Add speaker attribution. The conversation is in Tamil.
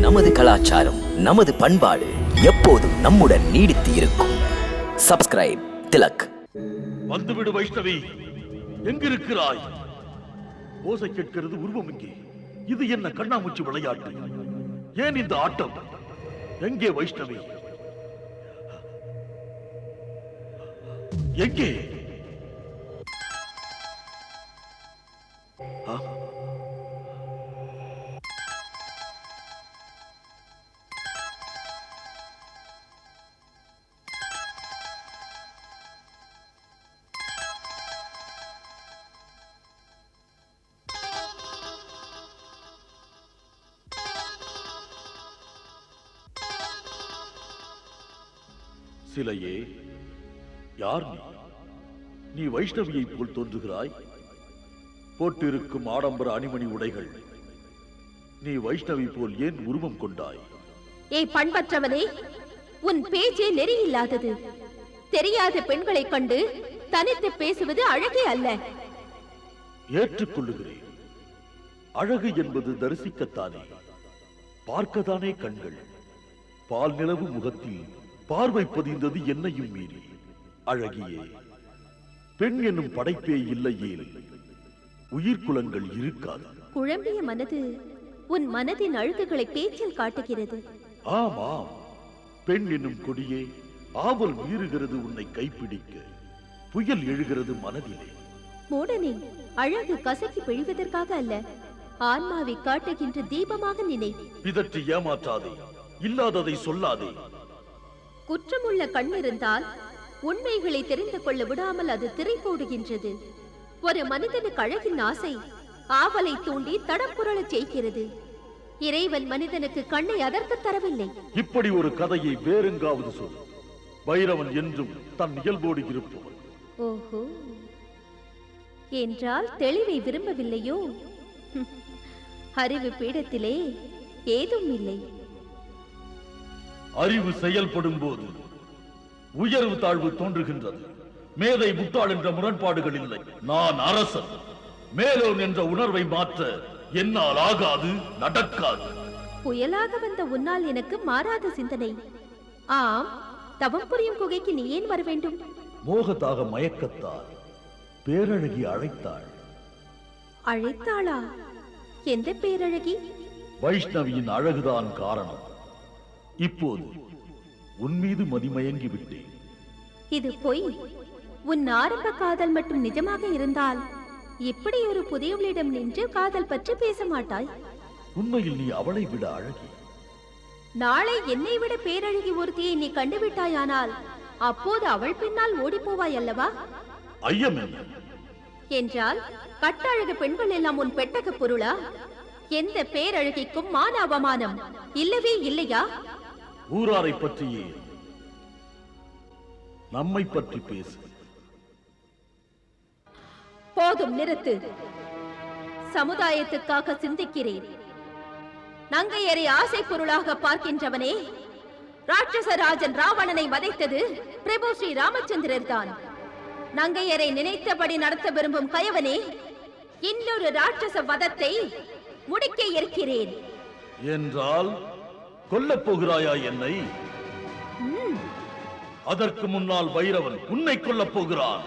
Speaker 1: நமது கலாச்சாரம், நமது பண்பாடு எப்போதும் நம்முடன் நீடித்து இருக்கும். சப்ஸ்கிரைப் திலக்.
Speaker 2: வந்துவிடு வைஷ்ணவி, எங்கிருக்கிறாய்? ஓசை கேட்கிறது, உருவம் இங்கே. இது என்ன கண்ணாமூச்சி விளையாட்டு? ஏன் இந்த ஆட்டம்? எங்கே வைஷ்ணவி? எங்கே? சிலையே, யார் நீ? நீ வைஷ்ணவியை போல் தோன்றுகிறாய். போட்டிருக்கும் ஆடம்பர அணிமணி உடைகள், நீ வைஷ்ணவி போல் ஏன் உருவம் கொண்டாய்?
Speaker 3: ஏய் பண்பற்றவனே, உன் பேச்சே நெறியில்லாதது. தெரியாத பெண்களை கண்டு தனித்து பேசுவது அழகே அல்ல.
Speaker 2: ஏற்றுக்கொள்ளுகிறேன். அழகு என்பது தரிசிக்கத்தானே, பார்க்கத்தானே கண்கள். பால் நிலவு முகத்தில் பார்வை பதிந்தது என்னையும் மீறி. அழகியே, பெண் என்னும் படைப்பே இல்லையேல் உயிர்குலங்கள் இருக்காது.
Speaker 3: குழம்பிய மனது உன் மனதின் அழுகுகளை பேச்சில் காட்டுகிறது.
Speaker 2: ஆமாம், பெண் என்னும் கொடியே ஆவல் மீறுகிறது உன்னை கைப்பிடிக்க. புயல் எழுகிறது மனதிலே.
Speaker 3: மூடனே, அழகு கசக்கி பிழிவதற்காக அல்ல, ஆன்மாவை காட்டுகின்ற தீபமாக நினை.
Speaker 2: பிதற்றி ஏமாற்றாதே, இல்லாததை சொல்லாதே.
Speaker 3: குற்றமுள்ள கண் இருந்தால் உண்மைகளை தெரிந்து கொள்ள விடாமல் அது திரை போடுகின்றது. ஒரு மனிதனுக்கு அழகின் ஆசை ஆவலை தூண்டி தடப்புரளச் செய்கிறது. இறைவன் மனிதனுக்கு கண்ணை அதற்கு தரவில்லை.
Speaker 2: இப்படி ஒரு கதையை வேறெங்காவது சொல். பைரவன் என்றும் தன் இயல்போடு இருப்பவன்.
Speaker 3: ஓஹோ, என்றால் தெளிவை விரும்பவில்லையோ? அறிவு பீடத்திலே ஏதும் இல்லை.
Speaker 2: அறிவு செயல்படும் போது உயர்வு தாழ்வு தோன்றுகின்றது. மேதை முட்டாள் என்ற முரண்பாடுகள் இல்லை. நான் அரசன். மேலோன் என்ற உணர்வை மாற்ற என்னால் ஆகாது, நடக்காது.
Speaker 3: புயலாக வந்த உன்னால் எனக்கு மாறாத சிந்தனை. ஆம், தவம் புரியும் குகைக்கு நீ ஏன் வர வேண்டும்?
Speaker 2: மோகத்தாக மயக்கத்தால் பேரழகி அழைத்தாள்.
Speaker 3: அழைத்தாளா? எந்த பேரழகி?
Speaker 2: வைஷ்ணவியின் அழகுதான் காரணம். இப்போது உன் மீது மதிமயங்கி விட்டேன்.
Speaker 3: இது பொய். உன் ஆரம்ப காதல் மட்டும் நிஜமாக இருந்தால் இப்படி ஒரு புதியவளிடம் நின்று காதல் பற்றி பேச மாட்டாய்.
Speaker 2: உண்மையில் நீ அவளை விட அழகி.
Speaker 3: நாளை என்னை விட பேரழகி ஒருத்தியை நீ கண்டுவிட்டாயானால் அப்போது அவள் பின்னால் ஓடி போவாய் அல்லவா?
Speaker 2: ஐயம் என்ன?
Speaker 3: என்றால் கட்டழகு பெண்கள் எல்லாம் உன் பெட்டக பொருளா? எந்த பேரழகிக்கும் மான அவமானம் இல்லவே இல்லையா?
Speaker 2: ஊராரை பற்றியே நம்மை பற்றி பேசு.
Speaker 3: போதும், நிறுத்து. சமுதாயத்துக்காக சிந்திக்கிறேன். நங்கையரை ஆசை பொருளாக பார்க்கின்றவனே, ராட்சசராஜன் ராவணனை வதைத்தது பிரபு ஸ்ரீ ராமச்சந்திரர் தான். நங்கையரை நினைத்தபடி நடத்த விரும்பும் கயவனே, இன்னொரு ராட்சச வதத்தை முடிக்க இருக்கிறேன்.
Speaker 2: என்றால் கொல்லப் போகிறாயா என்னை? அதற்கு முன்னால் பைரவன் உன்னை கொல்லப் போகிறான்.